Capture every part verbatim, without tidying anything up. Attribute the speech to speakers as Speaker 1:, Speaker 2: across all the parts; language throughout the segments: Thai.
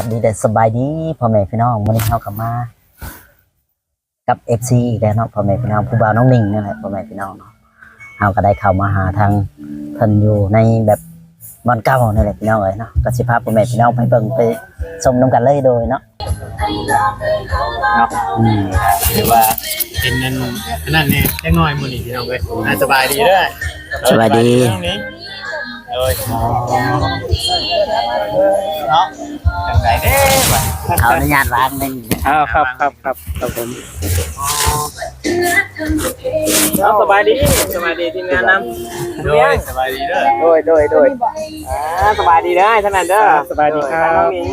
Speaker 1: บดีเด็ดสบายดีพ่อแม่พี่น้องวันนี้เข้ากับมากับ เอฟ ซี อีกแล้วเนาะพ่อแม่พี่น้องผู้บ่าวน้องนิ่งนี่แหละพ่อแม่พี่น้องเนาะเราก็ได้เข้ามาหาทางเพิ่นอยู่ในแบบบ้านเก่านี่แหละพี่น้องเอ้ยเนาะก็สิพาพ่อแม่พี่น้องไปเบิ่งไปชมนํกันเลยโดยเนาะ
Speaker 2: เนาะอืมหรือว่าเป็นนั่นนั่นนี่จังน้อยมื้อนี้พี่น้องเอ้ยน่าสบายดีเด้อ
Speaker 1: สบายดี
Speaker 2: เอ้ยเนาะจังไดเด้บ่
Speaker 1: ขออนุญาตวางนึง
Speaker 2: อ้าวครับครับครับครับผมเอาสบายดีสบายดีทีมงานนำโดยสบายดีเด้อโดยโดยโดยอ่าสบายดีเด้อท่านนั้นเด้อสบายดีครับน้องหญิง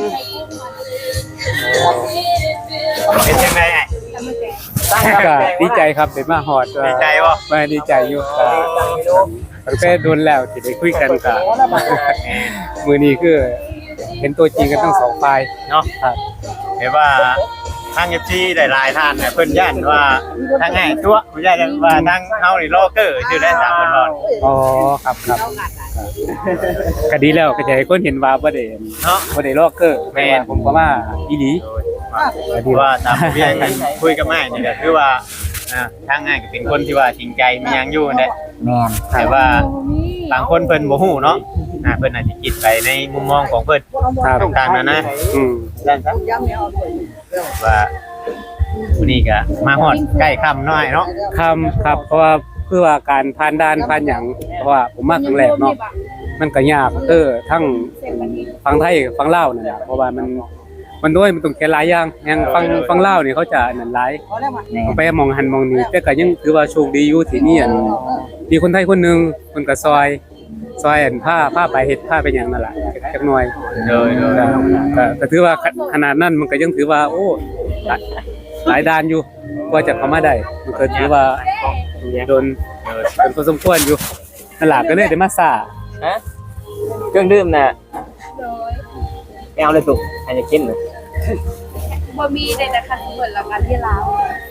Speaker 2: เป็นจังได๋
Speaker 3: ก็ดีใจครับเป็นมาฮอด
Speaker 2: ดีใจบ่
Speaker 3: มาดีใจอยู่ตั้งแต่โดนแล้วที่ได้คุยกันก็มื้อนี้คือเห็นตัวจริงกันทั้งสองฝ่าย
Speaker 2: เนาะครับเห็นว่าทาง เอฟ ซี ได้หลายท่านน่ะเพิ่นย่านว่าทางง่ายตัวบ่ย่านว่าทางเฮานี่ลอเกอร์ชื่อได้ตามเพิ่นว่า
Speaker 3: อ๋อครับครับก็ดีแล้วก็จะให้คนเห็นว่าบ่ได้
Speaker 2: เนาะ
Speaker 3: บ่ได้ลอกเกอร์แม่นผมก็มาอีหลี
Speaker 2: ก็ดีว่าตามที่กันคุยกับแม่นี่ก็คือว่าอ่าทางง่ายก็เป็นคนที่ว่าจริงใจมีหยังอยู่นั่นแหละ
Speaker 1: แม่น
Speaker 2: แต่ว่าบางคนเพิ่นบ่ฮู้เนาะอ่าเพิ่นอาจจะคิดไปในมุมมองของเพิ่นต่างๆนั่นนะ
Speaker 3: อืม
Speaker 2: นั่นซะว่าวันนี้ก็มาฮอดใกล้ค่ำน้อยเนาะ
Speaker 3: ค่ำครับเพราะว่าเพื่อว่าการผ่านด่านผ่านหยังเพราะว่าผมมาครั้งแรกเนาะมันก็ยากเออทั้งฝั่งไทยฝั่งลาวนั่นน่ะเพราะว่ามันมันด้วยมันต้องแค่หลายอย่างอย่างฝั่งฝั่งลาวนี่เขาจะนั่นหลายต้องไปมองหันมองนี่แต่ก็ยังถือว่าโชคดีอยู่ที่นี่อันมีคนไทยคนนึงเพิ่นก็ซอยซอยอันผ้าผ้าไปเฮ็ดผ้าไปหยังนั่นล่ะจักหน่อย
Speaker 2: เด้อๆ
Speaker 3: ก็ก็ถือว่าขนาดนั้นมันก็ยังถือว่าโอ้หลายด้านอยู่กว่าจะเข้ามาได้มันก็ถือว่าโดนเป็นพอสมควรอยู่นั่นล่ะก็เลยได้มาซ่า
Speaker 2: ฮะเครื่องดื่มน่ะโดยเอาเลยตุกให้จะกิน
Speaker 4: บ่มีได้แต่คันเหมือนละกันที่ลาว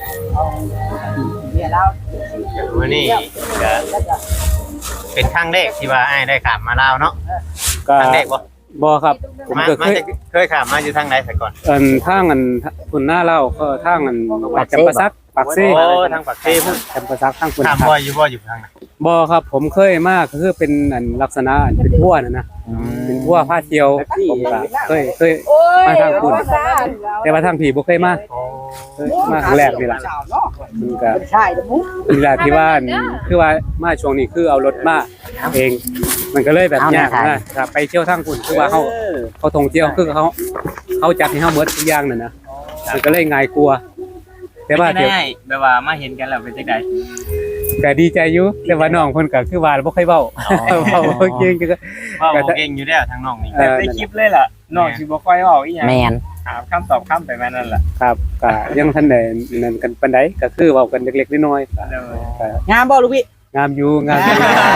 Speaker 4: เนี่ยลาว
Speaker 2: มื้อนี้ก็เป็นครั้งแรกที่ว่าอ้ายได้ข้ามมาลาวเนาะครั้งแรกบ่
Speaker 3: บ่ครับผมก็เคย
Speaker 2: เคยข้ามมาอยู่ทางไหนแต่ก่อน
Speaker 3: อันทางอันพุ่นหน้าลาวก็ทางอันจำปาสักปากเซ่
Speaker 2: โอ้ทางปากเซ่พุ่น
Speaker 3: จำปาสักทางพุ่น
Speaker 2: ข้ามบ่อยู่บ่อยู่ทางไหน
Speaker 3: บ่ครับผมเคยมาก็คือเป็นอันลักษณะเป็นบัวน่ะนะเป็นบัวพาเที่ยวผมก็เคยเคยมาทางพุ่นแต่ว่าทางพี่บ่เคยมามาครั้งแรกนี่ล่ะมันก็นี่ล่ะที่ว่าคือว่ามาช่วงนี้คือเอารถมาเองมันก็เลยแบบยากนะไปเที่ยวทางพุ่นคือว่าเฮาเขาท่องเที่ยวคือเขาเขาจัดให้เฮาหมดทุกอย่างนั่นนะมันก็เลยง่ายกว่าแต่ว่าเดี๋ยว
Speaker 2: แบบว่ามาเห็นกันแล้วเป็นจังได๋
Speaker 3: ก็ดีใจอยู่แต่ว่าน้องเพิ่นก็คือว่าบ่ค่อยเว้าเว้าเก่งก็
Speaker 2: เว้าเก่งอยู่แล้วทางน้องนี่แต่ในคลิปเลยล่ะน้องสิบ่ค่อยเว้าอีหยัง
Speaker 1: แม่น
Speaker 2: ถามคำตอบคำไปแม่นั่นล่ะ
Speaker 3: ครับก็ยังทันได้นั่นกันปานใดก็คือเว้ากันเล็กๆน้อยๆก็
Speaker 1: งามบ่ลูกพี่
Speaker 3: งามอยู่งามอยู่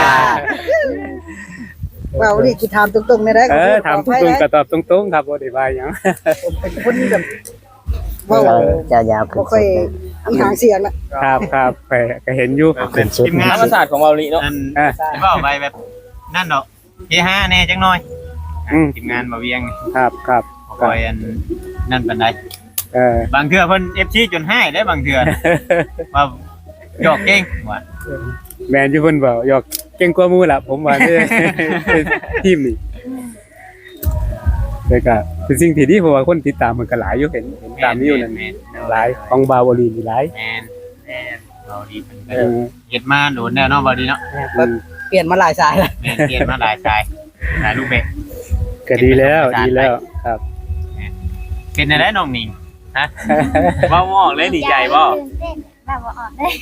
Speaker 5: เว้านี่สิถามตรงๆได้ได้
Speaker 3: เออถามตรงๆก็ตอบตรงๆครับบ่ได้ว่าหยัง
Speaker 5: ผมเป็นคนแบบ
Speaker 1: เว้าจะยาวขึ้น
Speaker 5: บ่ค่อยมีหางเสียงนะครับ
Speaker 3: ครับก็เห็นอยู่
Speaker 2: เป็นทีมงานธรรมศาสตร์ของเว้านี่เนาะเออเว้าไปแบบนั่นเนาะเฮฮาแน่จังหน่อยทีมงานบ่เวียง
Speaker 3: ครับครับ
Speaker 2: คอยอันนั่นปานใด
Speaker 3: เออบ
Speaker 2: างเทื่อเพิ่น เอฟ ซี จนหายได้บางเทื่อว่าหยอกเก่งว่า
Speaker 3: แม่นอยู่เพิ่นเว้าหยอกเก่งกว่าหมู่ล่ะผมว่าทีมนี่แต่ก็เป็นสิ่งที่ดีเพราะว่าคนติดตามมันก็หลายอยู่เห็นเห็นตามนี้อยู่นั่นหลายของบาวลีนี่หลาย
Speaker 2: แม่นแม่นบาวลีเพิ่นก็เฮ็ดมาโดนแล้วเนาะบาวลีเนาะ
Speaker 5: เปลี่ยนมาหลายสายแล้ว
Speaker 2: แม่นเปลี่ยนมาหลายสายหลายรูปแบบ
Speaker 3: ก็ดีแล้วดีแล้วครับ
Speaker 2: เป็นได้น้องหนิงฮะเว้าบ่ออกเลยดีใจบ่
Speaker 4: แบบว่าออกได้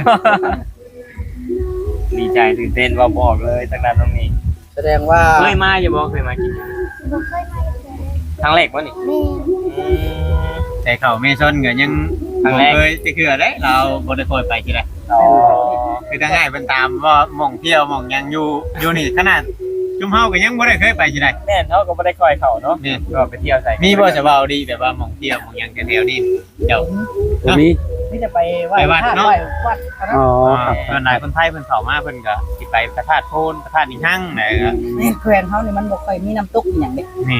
Speaker 2: ดีใจตื่นเต้นเว้าบ่ออกเลยตั้งนั้นน้องหนิง
Speaker 5: แสดงว่า
Speaker 2: เคยมาอยู่บ่เคยมากิน
Speaker 4: บ่เคยมา
Speaker 2: ครั้งแรกบ่นี่แต่เขาเมซอนก็ยังครั้งแรกเคยสิคือได้เราบ่ได้ค่อยไปที่ใดอ๋อคือถ้าง่ายเพิ่นตามว่าหม่องเที่ยวหม่องหยังอยู่อยู่นี่ขนาดจุ่มเฮาก็ยังบ่ได้เคยไปที่ใดแม่นเฮาก็บ่ได้ค่อยเข้าเนาะนี่ก็ไปเที่ยวใส่มีบ่จะเว้าดีแบบว่าหม่องเที่ยวหม่องหยังแถวๆนี้เจ้า
Speaker 3: มี
Speaker 5: มีแต่ไปไหว้
Speaker 2: วัดเนาะ
Speaker 5: วัด
Speaker 3: อ๋อครับ
Speaker 2: ส่วนหลายคนไทยเพิ่นเข้ามาเพิ่นก็สิไปพระธาตุโพนพระธาตุอีหั่งไหนก็
Speaker 5: แม่นแคว้นเฮานี่มันบ่ค่อยมีน้ำตกอีหยังเด้
Speaker 2: นี่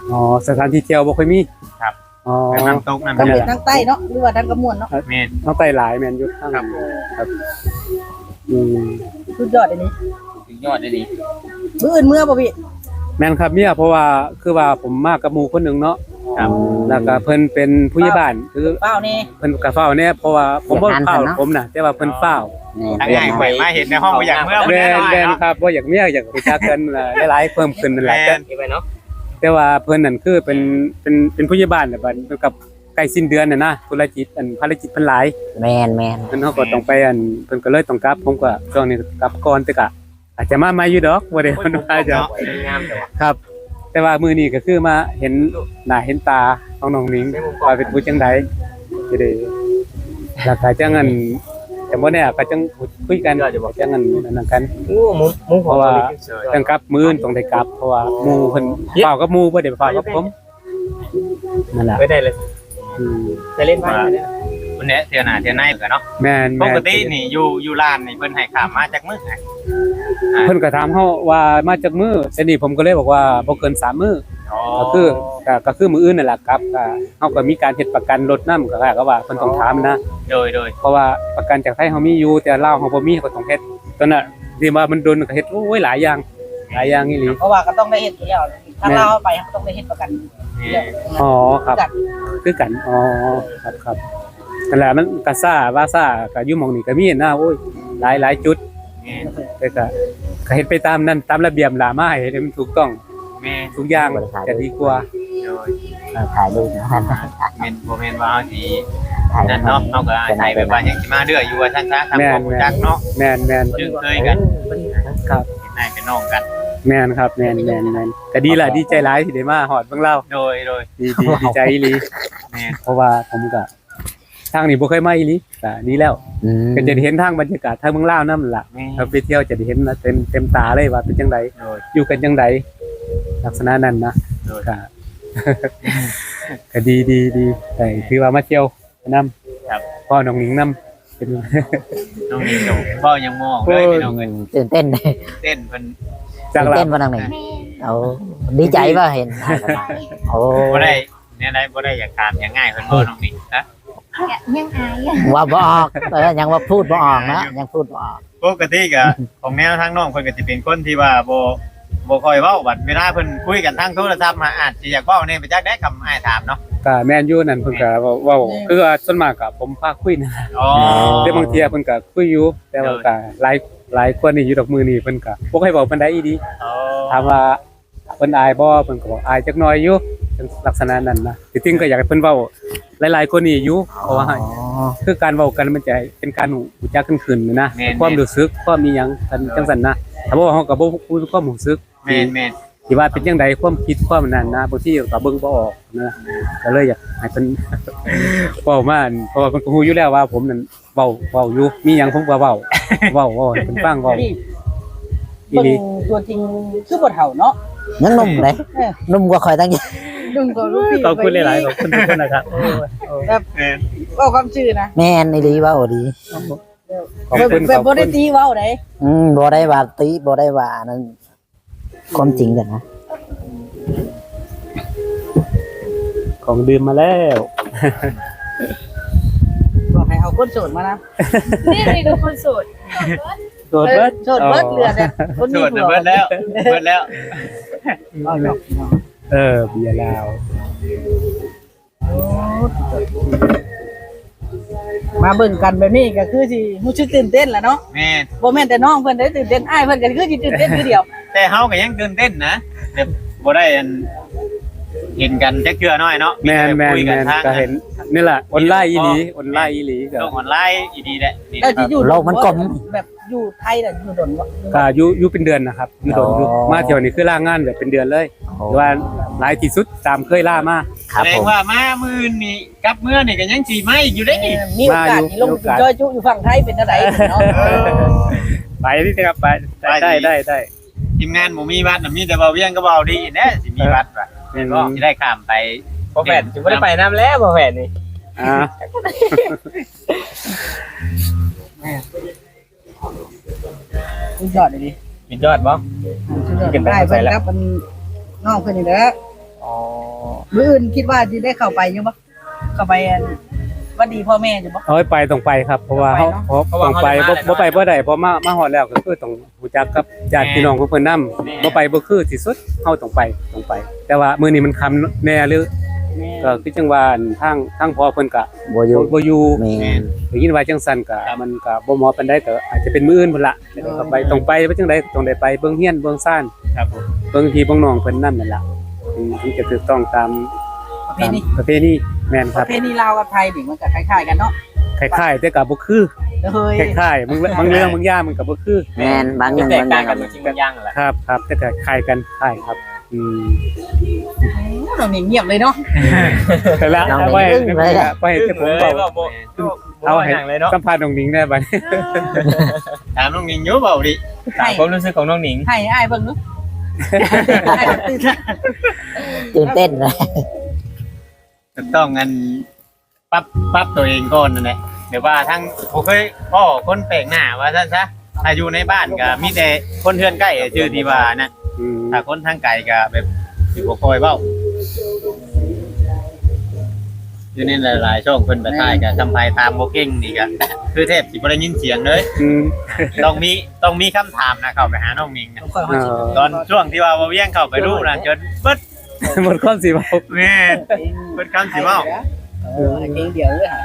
Speaker 3: อ๋อสถานที่เที่ยวบ่ค่อยมี
Speaker 2: ครับ
Speaker 3: อ๋อ
Speaker 2: เป็นน้ำตกน้ำ
Speaker 5: ทาง
Speaker 2: เดื
Speaker 5: เหนื
Speaker 2: อ
Speaker 5: อทางใต้เนาะหรือว่าทางกระมวลเนาะ
Speaker 2: แม่น
Speaker 3: ทางใต้หลายแม่นอยู่ทาง
Speaker 2: ครับ
Speaker 3: ครับอืม
Speaker 5: สุดยอดอันนี้
Speaker 2: สุดยอดเลยดี
Speaker 5: มื้ออื่นเมื่อบ่พี่
Speaker 3: แม่นครับเมียเพราะว่าคือว่าผมมากับหมู่คนหนึงเนาะ
Speaker 2: ครับ
Speaker 3: แล้วก็เพิ่นเป็นผู้ใหญ่บ้านคือ
Speaker 5: เปล่านี่
Speaker 3: เพิ่นก็เฝ้าแน่เพราะว่าผมบ่เฝ้าผมน่ะแต่ว่าเพิ่นเฝ้า
Speaker 2: ทั้งง่ายข่อยมาเห็นในห้องบ่อยากเมื่อบ่
Speaker 3: แม่
Speaker 2: ได้
Speaker 3: น
Speaker 2: น้อย
Speaker 3: แม่น
Speaker 2: เนาะ
Speaker 3: ครับบ่อยากเมียอยากรู้จักกันน่ะหลายๆเพิ่มขึ้นนั่นแหละ
Speaker 2: แม่
Speaker 3: แต่
Speaker 2: นไปเนาะ
Speaker 3: แต่ว่าเพิ่นนั่นคือเป็นเป็นเป็นผู้ใหญ่บ้านน่ะบัดเพิ่นกับใกล้สิ้นเดือนน่ะนะธุรกิจอันภารกิจเพิ่นหลาย
Speaker 1: แมนแมน
Speaker 3: เพิ่นเฮาก็ต้องไปอันเพิ่นก็เลยต้องกลับผมก็ช่วงนี้กลับก่อนแต่ก็อาจจะมาใหม่อยู่ดอกบ่ได้เพิ่นว่าจะ
Speaker 2: งามแต่ว่า
Speaker 3: ครับ แต่ว่ามื้อนี้ก็คือมาเห็นหน้าเห็นตาของน้องหนิงว่าเป็นผู้จังไดสิได้แล้วก็จังอันแต่บ่แน่ก็จังคุยกันจังอันนั่นกัน
Speaker 2: โอ้มุมมุม
Speaker 3: เพราะว่าจังกลับมื้อนี้ต้องได้กลับเพราะว่าหมู่เพิ่นเฝ้ากับหมู่บ่ได้เฝ้ากับผมนั่นแหละ
Speaker 2: ไม่ได้เลย
Speaker 3: อืม
Speaker 2: จะเล่นมาวันนี้เที่ยวหน้าเที่ยวในกันเนาะ
Speaker 3: แม่น
Speaker 2: ป
Speaker 3: แม่น
Speaker 2: กตินี่อยู่อยู่ร้านนี่เพิ่นให้ข้ามมาจากมื้อไหน
Speaker 3: เพิ่นก็ถามเฮาว่ามาจากมื้อแต่นี่ผมก็เลยบอกว่าบ่เกินสามมื้อ
Speaker 2: อ๋อ
Speaker 3: ก็คือก็ก็คือมื้ออื่นนั่นแหละครับก็เฮาก็มีการเฮ็ดประกันรถนำก็ว่าก็ว่าเพิ่นต้องถามนะ
Speaker 2: โดยโดย
Speaker 3: เพราะว่าประกันจากไทยเฮามีอยู่แต่ลาวเฮาบ่มีก็ต้องเฮ็ดตอนน่ะที่ว่ามันโดนก็เฮ็ดโอ้ยหลายอย่างหลายอย่างอีหลี
Speaker 5: เพราะว่าก็ต้องได้เฮ็ดอยู่แล้วถ้าเราเอาไปก็ต้องได้เฮ็ดประกัน
Speaker 2: นี่
Speaker 3: อ๋อครับ
Speaker 5: จัด
Speaker 3: คือกันอ๋อครับครับนั่นแหละมันก็ซ่าว่าซ่าก็อยู่หม่องนี้ก็มีนะโอ้ยหลายหลายจุด
Speaker 2: นี่
Speaker 3: แต่ก็ก็เฮ็ดไปตามนั้นตามระเบียบล่ะมาให้มันถูกต้อง
Speaker 2: แม่
Speaker 3: ทุกอย่างจะดีกว่า
Speaker 2: โดย
Speaker 1: เออถ่ายรูปนะ
Speaker 2: แม่นบ่แม่นว่าเฮาสิ
Speaker 1: ถ่าย
Speaker 2: นั่นเนาะเฮาก็อาศัยแบบว่ายังสิมาเรื่อยอยู่ว่าซั่นซะทำความรู้จักเนาะ
Speaker 3: แม่นแม่น
Speaker 2: จึงเคยกัน
Speaker 3: ครับ
Speaker 2: เป็นนายเป็นน้องกัน
Speaker 3: แม่นครับแม่นแม่นแม่นก็ดีล่ะดีใจหลายที่ได้มาฮอดเบิ่งเล่า
Speaker 2: โดยโดย
Speaker 3: ดีดีดีใจอีหลี
Speaker 2: แม่น
Speaker 3: เพราะว่าผมก็ทางนี้บ่เคยมาอีหลีก็ดีแล้ว
Speaker 1: อืม
Speaker 3: ก็จะได้เห็นทางบรรยากาศทางเมืองลาวนำล่ะ
Speaker 2: แม่
Speaker 3: ถ้าไปเที่ยวจะได้เห็นนะเต็มเต็มตาเลยว่าเป็นจังได
Speaker 2: โดย
Speaker 3: อยู่กันจังไดลักษณะนั้นนะ
Speaker 2: โดย
Speaker 3: ก็ ก็ดีดีดีแต่คือว่ามาเที่ยวนํ
Speaker 2: ครับ
Speaker 3: พ่อน้องหนิงนํเป็น
Speaker 2: น้องนี่ก็บ่ยังมองเลยพี่น้องเอ้ย
Speaker 1: ตื่นเต้น
Speaker 2: เต้นเพิ่น
Speaker 3: จาก
Speaker 1: ตื่น
Speaker 3: ลา
Speaker 1: เต้นบ่นังหนึ่งเอาดีใจป่ะเห็นโอ้
Speaker 2: บ่ได้เนี่ยได้บ่ได้อยากถามอย่างง่ายเพิ่นบ่น้องนี่ฮะ
Speaker 4: ยังอาย
Speaker 1: ว่าบ่ออกเออยังว่าพูดบ่ออกนะยังพูดบ่ออก
Speaker 2: ปกติก็ของแนวทางน้องเพิ่นก็สิเป็นคนที่ว่าบ่บ่ค่อยเว้าบัดเวลาเพิ่นคุยกันทางโทรศัพท์มาอาจสิอยากเว้าแน่ไปจักได้คำอ้ายถามเนาะ
Speaker 3: ก็แม่นอยู่นั่นเพิ่นก็เว้าเว้าคือว่าส่วนมากก็ผมพาคุยนะ
Speaker 2: อ๋อ
Speaker 3: แต่บางเที่ยเพิ่นก็คุยอยู่แต่ว่าก็หลายหลายคนนี่อยู่ดอกมือนี่เพิ่นก็บ่ค่อยเว้าปานใดอีดี
Speaker 2: อ๋อ
Speaker 3: ถามว่าเพิ่นอายบ่เพิ่นก็บอกอายจักหน่อยอยู่จังลักษณะนั้นนะที่จริงก็อยากให้เพิ่นเว้าหลายๆคนนี่อยู่เพราะว่า
Speaker 1: อ๋อ
Speaker 3: คือการเว้ากันมันจะเป็นการรู้จักกันขึ้นนะความรู้สึกความมีหยังกันจังซั่นนะถ้าบ่เฮาก็บ่พูดความรู้สึก
Speaker 2: แม่นแม่น
Speaker 3: ที่ว่าเป็นจังไดความคิดความนั้นนะบางทีก็เบิ่งบ่ออกนะก็เลยอยากให้เพิ่น เว้ามาอันเพราะว่าเพิ่นก็ฮู้อยู่แล้วว่าผมนั่นเว้าเว้าอยู่มีหยังผมก็เว้าเว้าเว้าให้เพิ่นฟังเว้า
Speaker 5: นี่
Speaker 3: อี
Speaker 5: เบิ่ง
Speaker 3: หลี
Speaker 5: ตัวจริงคือบ่เฒ่าเนาะ
Speaker 1: ยังหนุ่มเลย
Speaker 5: เออ
Speaker 1: หนุ่มกว่าคอยตั้งเยอะ
Speaker 5: ดุงก็รู้พี่
Speaker 3: ขอบคุณหลายๆขอบคุณทุกคนนะครับ
Speaker 5: แบบ
Speaker 2: แม่น
Speaker 5: เว้าความชื่อนะ
Speaker 1: แม่นอีหลีว่าโอ้ดี
Speaker 3: ขอบ
Speaker 5: แบบ
Speaker 3: คุณ
Speaker 5: แบบ
Speaker 3: ขอบ
Speaker 5: บ่
Speaker 3: คุ
Speaker 5: ได้
Speaker 3: ณ
Speaker 5: ตีเว้าได
Speaker 1: อืมบ่ได้ว่าติบ่ได้ว่านั้นความจริงกันนะ
Speaker 3: ของดื่มมาแล้ว
Speaker 5: บอกให้เอาคนโสดมานะ
Speaker 4: นี่มีดูคนโสด
Speaker 3: โดดเบิด
Speaker 5: โสดเบิดเหลือแต่คน
Speaker 2: โส
Speaker 5: มี
Speaker 2: ด
Speaker 5: ผั
Speaker 2: น่ะ
Speaker 5: ว
Speaker 2: เบิดแล้วเบิดแล้ว
Speaker 5: เอาหรอก
Speaker 3: เออเบียร์ลาว
Speaker 5: มาเบิ่งกันแบบนี้ก็คือสิรู้สึกตื่นเต้นแหละเนาะ
Speaker 2: แม่น
Speaker 5: บ่แม่นแต่น้องเพิ่นได้ตื่นเต้นอ้ายเพิ่นก็คือสิตื่นเต้นคือเดียว
Speaker 2: แต่เฮาก็ยังตื่นเต้นนะแต่บ่ได้อันเห็นกันจักเทื่อน้อยเนาะ
Speaker 3: แมนแมน
Speaker 2: คุย
Speaker 3: แม
Speaker 2: กัน
Speaker 3: น
Speaker 2: ทาง
Speaker 3: ก็เห็นนี่แหละออนไลน์อีหลีออนไลน์อีหลีก็
Speaker 2: โลกออนไลน์อีดีแหละนี่
Speaker 5: แล้วสิอยู่
Speaker 1: โลกมันกลม
Speaker 5: แบบอยู่ไทยน่ะอยู่ดนบ่
Speaker 3: ก็อยู่อยู่เป็นเดือนนะครับอยู่โดนอยู่
Speaker 1: อ๋อ
Speaker 3: มาเที่ยวนี้คือล่างานแบบเป็นเดือนเลย
Speaker 1: โอ้
Speaker 3: หรือว่าหลายที่สุดตามเคยล่ามา
Speaker 1: ครับ
Speaker 2: แสด
Speaker 1: ผ
Speaker 2: ง
Speaker 1: ม
Speaker 2: ว่ามามื้อนี่กลับเมื่อนี่ก็ยังสิมาอีกอยู่ได้อีก
Speaker 5: มีโอกาสที่ลงไปจอยจุอยู่ฝั่งไทยเป็นจังไดเนาะ
Speaker 3: ไปนี่นะครับไปได้ได้ได้ได้
Speaker 2: ทีมงานบ่มีบัตรน่ะมีแต่เบาเวียงก็เบาดีแน่สิมีบัตรว่ะ
Speaker 3: แม่น
Speaker 2: ก็สิได้ข้ามไป
Speaker 6: บ่แฟนสิบ่ได้ไปน้ำแล้วบ่แฟนนี่
Speaker 3: อ่า
Speaker 5: สุดยอดเลยดิ
Speaker 6: กินยอดบ่
Speaker 5: สุดยอดได้เพิ่นครับมันน้องเพิ่นนี่แหละ
Speaker 6: อ๋อ
Speaker 5: มื้ออื่นคิดว่าสิได้เข้าไปอยู่บ่เข้าไปอันว่าดีพ่อแม่อยู่บ่
Speaker 3: เอาไปต้องไปครับเพราะว่าเฮาเพราะต้องไปบ่บ่ไปบ่ได้เพราะมามาฮอดแล้วก็คือต้องรู้จักกับญาติพี่น้องของเพิ่นนำบ่ไปบ่คือที่สุดเฮาต้องไปต้องไป แต่ว่ามื้อนี้มันค่ำแน่หรือก็คือจังว่าทางทางพ่อเพิ่นก็
Speaker 1: บ่อยู่
Speaker 3: บ่อยู่
Speaker 1: แม่น
Speaker 3: ได้ยินว่าจังซั่นก็มันก็บ่เหมาะปานใดแต่อาจจะเป็นมื้ออื่นพุ่นล่ะแต่ก็ไปต้องไปว่าจังไดต้องได้ไปเบิ่งเฮียนเบิ่งซ่าน
Speaker 2: ครับผม
Speaker 3: เบิ่งพี่เบิ่งน้องเพิ่นนำนั่นล่ะถึงถึงจะถูกต้องตาม
Speaker 5: ประเพณี
Speaker 3: ประเพณีแม่นค
Speaker 5: ป
Speaker 3: รับ
Speaker 5: ระเพณีลาวกับไทยนี่มันก็คล้ายๆกันเนาะ
Speaker 3: คล้ายๆแต่ก็บ่คือ
Speaker 5: เฮ้ย
Speaker 3: คล้ายๆบางบางเรื่องบางอย่างมันก็บ่คือ
Speaker 1: แม่นบางอ
Speaker 6: เป็น
Speaker 1: ย่าง
Speaker 6: แตก
Speaker 1: บางอ
Speaker 6: ต่าง
Speaker 1: ย่าง
Speaker 6: กันจริงๆบางอย่างแหละ
Speaker 3: ครับครับแต่ก็คล้ายกันคล้ายครับอืม
Speaker 5: น้องนี่เงียบเลยเนาะ
Speaker 3: แต่ละ
Speaker 1: น้อง
Speaker 3: เอา
Speaker 1: หนิ
Speaker 3: ไว้
Speaker 1: งอึ้งเลยอะ
Speaker 3: ไปให้ผม
Speaker 6: เลย
Speaker 3: เบา
Speaker 6: บ่บ่
Speaker 3: เอา
Speaker 6: เอา
Speaker 3: ให้
Speaker 6: ให้เลยเนาะ
Speaker 3: สัมภาษณ์น้องหนิงได้บัดนี้
Speaker 2: ถามน้องนิงอยู่เปล่าดิ
Speaker 6: ตามความรู้สึกของน้องหนิง
Speaker 5: ให้อ้ายเบิ่งเนาะให้ตื่นเต้น
Speaker 1: ตื่นเต้นเลย
Speaker 2: ต้องงันปรับปรับตัวเองก่อนนั่นแหละเดี๋ยวว่าทั้งผมเคยพ่อคนแปลกหน้าว่าซั่นซะถ้าอยู่ในบ้านก็มีแต่คนเทือนใกล้ชื่อที่ว่านะ
Speaker 3: อืม
Speaker 2: ถ้าคนทางไกลก็แบบสิบ่ค่อยเว้าอยู่ในหลายๆช่องเพิ่นไปถ่ายก็ทำภายตามบ่เก่งนี่ก็คือแทบสิบ่ได้ยินเสียงเลย
Speaker 3: อืม
Speaker 2: ต้องมีต้องมีคำถามนะเข้าไปหาน้องมิงนะ
Speaker 5: ค่อยๆ
Speaker 3: เออ
Speaker 2: ตอนช่วงที่ว่าบ่เวียงเข้าไปรู้นะจนเบิด
Speaker 3: หมดความสิเว้า
Speaker 2: แม่นเบิดคำสิเว้า
Speaker 5: เออเองเดียวเลยค่ะ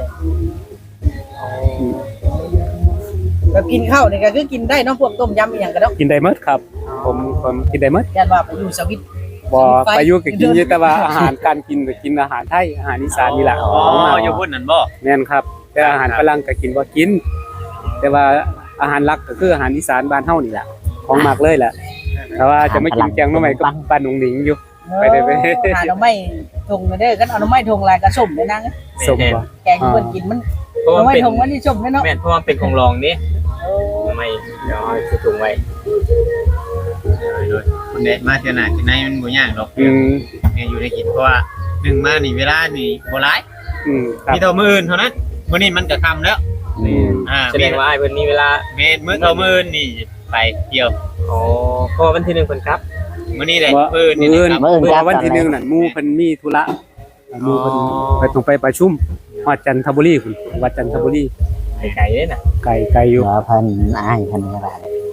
Speaker 5: แบบกินข้าวนี่ก็คือกินได้เนาะพวกต้มยำอีหยังก็เนาะ
Speaker 3: กินได้หมดครับ ผมผมกินได้หมด
Speaker 5: ยันว่าไปอยู่สวิต
Speaker 3: บ่ไปอยู่ก็กินอยู่แต่ว่าอาหารการกินก็กินอาหารไทยอาหารอีสานนี่ล่ะ
Speaker 2: อ๋อ
Speaker 3: ของมา
Speaker 2: อยู่พุ่นนั่นบ่
Speaker 3: แม่นครับ แต่อาหารฝรั่งก็กินบ่กิน แต่ว่าอาหารหลักก็คืออาหารอีสานบ้านเฮานี่แหละของมากเลยแหละแต่ว่าจะไม่กินแกงหน่อไม้กับบ้านหนุ่งหนิงอยู่ ไปได้ไป
Speaker 5: หาหน่อไม้ทงเด้อกันเอาหน่อไม้ทงลายกระส้มเลยนะ
Speaker 3: สมบ่
Speaker 5: แกงที่เพิ่นกินมัน
Speaker 6: เพราะ
Speaker 5: หน่อ
Speaker 6: ว่า
Speaker 5: ไม้
Speaker 6: เป็น
Speaker 5: ทงมันนี่ส้มเลยเนาะ
Speaker 6: แม่นเพราะว่าเป็นของรองนี่ไม่เดี๋ยวเอาสิถุงไว้
Speaker 2: คุณเดชมาเท่าน่ะที่ไหนมันบ่ยากหรอก
Speaker 3: อืม
Speaker 2: แม่อยู่ได้กินเพราะว่าหนึ่งมานี่เวลานี่บ่หลาย
Speaker 3: อืมครับ
Speaker 2: มีเท่ามื้ออื่นเท่านั้นมื้อนี้มันก็ค่ำแล้ว
Speaker 3: อืม
Speaker 2: อ่า
Speaker 6: แสดงว่าไอ้เพิ่นมีเวลา
Speaker 2: เมนมื้อเท่ามื้ออื่นนี่ไปเที่ยว
Speaker 6: อ๋อเพราะว่าวันที่หนึ่งเพิ่นครับ
Speaker 2: มื้อนี้แหละ
Speaker 3: ว่า
Speaker 2: มื้ออื่นนี่
Speaker 3: มื้อ
Speaker 2: นะครับ
Speaker 1: มื้ออื่น
Speaker 3: เมื่
Speaker 1: ครั
Speaker 3: อบ วันที่หนึ่งนั่นหมู่เพิ่นมีธุระหมู่เพิ่น
Speaker 2: อ๋อ
Speaker 3: ไปต้องไปประชุมฮอดจันทบุรีพุ่นวัดจันทบุรี
Speaker 6: ไกลๆเลยนะ
Speaker 3: ไกลไกลอยู่
Speaker 1: เดี๋ยวเพิ่นอ้ายเพิ่นก็ได้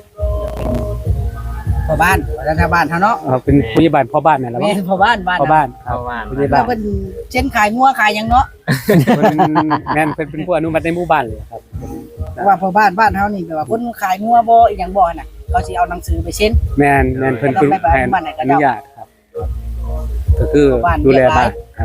Speaker 5: พ่อบ้านรัฐบาลเฮาเนาะ
Speaker 3: เออเป็นผู้ใหญ่บ้านพ่อบ้านนั่นแหละ
Speaker 5: แม่
Speaker 3: มั้ง
Speaker 5: พ่อบ้านบ้าน
Speaker 3: พ่อบ้านครับ
Speaker 6: เพราะว่า
Speaker 3: ผู้ใหญ่
Speaker 5: แล้
Speaker 3: บ้า
Speaker 5: วน เพิ่นเช่นขายงัวขายหยังเนาะ
Speaker 3: เพิ่นแม่นเพิ่นเป็นผู้อนุมัติในหมู่บ้านเลยครับ
Speaker 5: เพราะว่าพ่อบ้านบ้านเฮานี่แบบว่าคนขายงัวบ่อีหยังบ่น่ะเขาสิเอาหนังสือไปเซ็น
Speaker 3: แม่นแม่นเพิ่นเป็นแผนอนุญาตครับ ก็คือดูแลบ้านครับ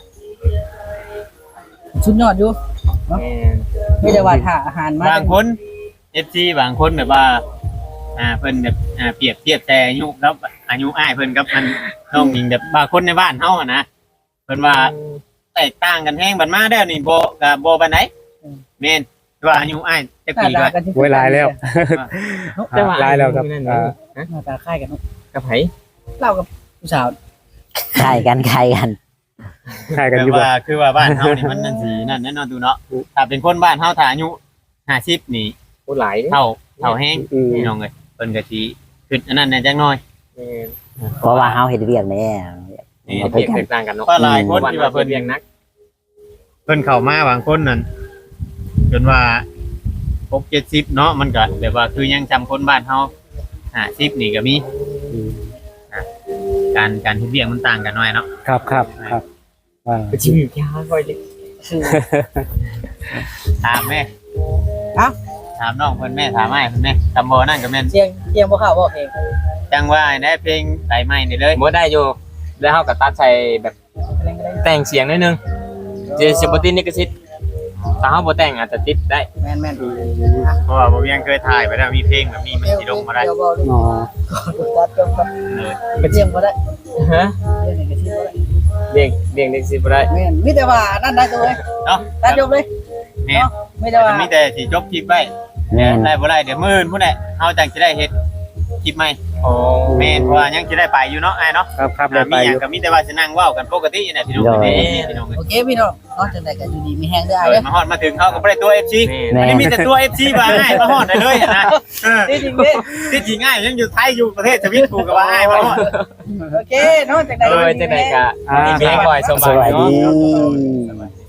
Speaker 5: สุดยอดอยู่
Speaker 6: แม่น
Speaker 5: ไม่ได้ว่าถ้าอาหารมา
Speaker 2: บางคน เอฟ ซี บางคนแบบว่าอ่าเพิ่นแบบอ่าเปรียบเทียบแต่อายุครับอายุอ้ายเพิ่นกับมันน้องหญิงแบบบางคนในบ้านเฮาอะนะเพิ่นว่าแตกต่างกันแฮงบัดมาแล้วนี่บ่ก็บ่ปานใดแม่นว่าอายุอ้ายจักปีว่า
Speaker 3: ไว้หลายแล้ว
Speaker 6: แต่ว่า
Speaker 3: หลายแล้วครับ
Speaker 6: นั่น
Speaker 3: อ่า
Speaker 6: นะ
Speaker 5: หน้าตาคล้ายกันเนาะ
Speaker 6: กับไผ
Speaker 5: เล่ากับผู้สาว
Speaker 1: ใครกันใครกัน
Speaker 3: ใช่กัน
Speaker 2: แต่
Speaker 3: อยู่บ่
Speaker 2: ว่าคือว่าบ้านเฮานี่มันนั่นสินั่นแน่นอนดูเนาะถ้าเป็นคนบ้านเฮาถ้าอายุห้าสิบนี่
Speaker 6: ผู้หลายเด้
Speaker 2: เท่าเท่าแห้ง
Speaker 3: อืม
Speaker 2: พี่น้องเอ้ยเพิ่นก็สิขึ้นอันนั้นแหน่จักหน่อย
Speaker 6: แม่น
Speaker 1: เพราะว่าเฮาเฮ็ดเวียกแน่
Speaker 2: นี่
Speaker 1: เอาไป
Speaker 6: เรียกแตกต่างกันเนาะ
Speaker 2: เพราะหลายคน
Speaker 6: วัน
Speaker 2: ที่
Speaker 6: ว่า
Speaker 2: ว่า
Speaker 6: เพิ่
Speaker 2: เพิ่
Speaker 6: น
Speaker 2: น
Speaker 6: เรียงนัก
Speaker 2: เพิ่นเข้ามาบางคนนั่นจนว่าหกเจ็ดสิบเนาะมันก็แบบว่าคือยังจำคนบ้านเฮาห้าสิบนี่ก็มี
Speaker 3: อืม
Speaker 2: การการที่เรียงมันต่างกันหน่อยเนาะ
Speaker 3: ครับครับครับอ่า
Speaker 6: ไปชิมอยู่ยาค่อยเลย
Speaker 5: คือ
Speaker 2: ถามแม่
Speaker 5: เอ้า
Speaker 2: ถามน้องเพิ่นแม่ถามอ้ายเพิ่นแม่ตำบ่นั่นก็แม่น
Speaker 5: เสียงเสียงบ่เข้าบ่เพลง
Speaker 2: จังว่าได้เพลงไตไม้นี่เลย
Speaker 6: บ่ได้อยู่แล้วเฮาก็ตัดใส่แบบ
Speaker 5: เพลงก็ได้
Speaker 6: แต่งเสียงนิดนึงเจสิบ่ติดลิขสิทธิ์ถ้าเฮาบ่แต่งอาจจะติดได้
Speaker 5: แม่นแม่น
Speaker 2: เพราะว่าบ่ยังเคยถ่ายไปแล้วมีเพลงแบบนี้มันสิลงมาได้
Speaker 5: เดี๋ยวบ่รู้
Speaker 3: อ๋อ
Speaker 5: ตัดจบกัน
Speaker 2: เออ
Speaker 5: เสียงบ่ได้
Speaker 6: ฮะ
Speaker 5: เสียงนี่ก็สิบ่ได้
Speaker 6: เรียงเรียงลิขสิทธิ์บ่ได้
Speaker 5: แม่นมีแต่ว่านั่นได้ตัวเว้ย
Speaker 2: เนาะ
Speaker 5: ตัดจบเลย
Speaker 2: แม่น
Speaker 5: เนาะมีแต่ว่า
Speaker 2: มีแต่สิจบคลิปไว้
Speaker 1: แม่น
Speaker 2: ได้บ่ได้เดี๋ยวมื้ออื่นพุ่นแหละเฮาจังสิได้เฮ็ดคลิปใหม่
Speaker 6: อ๋อ
Speaker 2: แม่นเพราะว่ายังสิได้ไปอยู่เนาะอ้ายเนาะ
Speaker 3: ครับครับได้
Speaker 2: มี
Speaker 3: ไป
Speaker 2: ห
Speaker 3: อ
Speaker 2: ยัง
Speaker 3: ยู่
Speaker 2: ก็มีแต่ว่าสินั่งเว้ากันปกตินี่แหละพี่น้อง
Speaker 1: โดย
Speaker 2: เอ้ยพี่น้องเอ้ย
Speaker 5: โอเคพี่น้องเนาะจังได๋ก็อยู่ดีมีแฮงเด้อ
Speaker 2: เอ
Speaker 5: เด้
Speaker 2: อ
Speaker 5: อ
Speaker 2: มาฮอดมาถึงเขาก็บ่ได้ตัว เอฟ ซี
Speaker 6: แม่
Speaker 2: อันนี้มีแต่ตัว เอฟ ซี มาอ้ายมาฮอดได้เลยนะเออ
Speaker 5: จริงเด้
Speaker 2: ที่จริงอ้ายยังอยู่ไทยอยู่ประเทศสวิตกูก็ว่าอ้ายมาฮอด
Speaker 5: โอเคเนาะจังได๋
Speaker 6: เออจังได๋ก็มีเพียงบ่อยส
Speaker 1: ส
Speaker 6: บาย
Speaker 1: วัส
Speaker 6: เนาะ
Speaker 1: ดี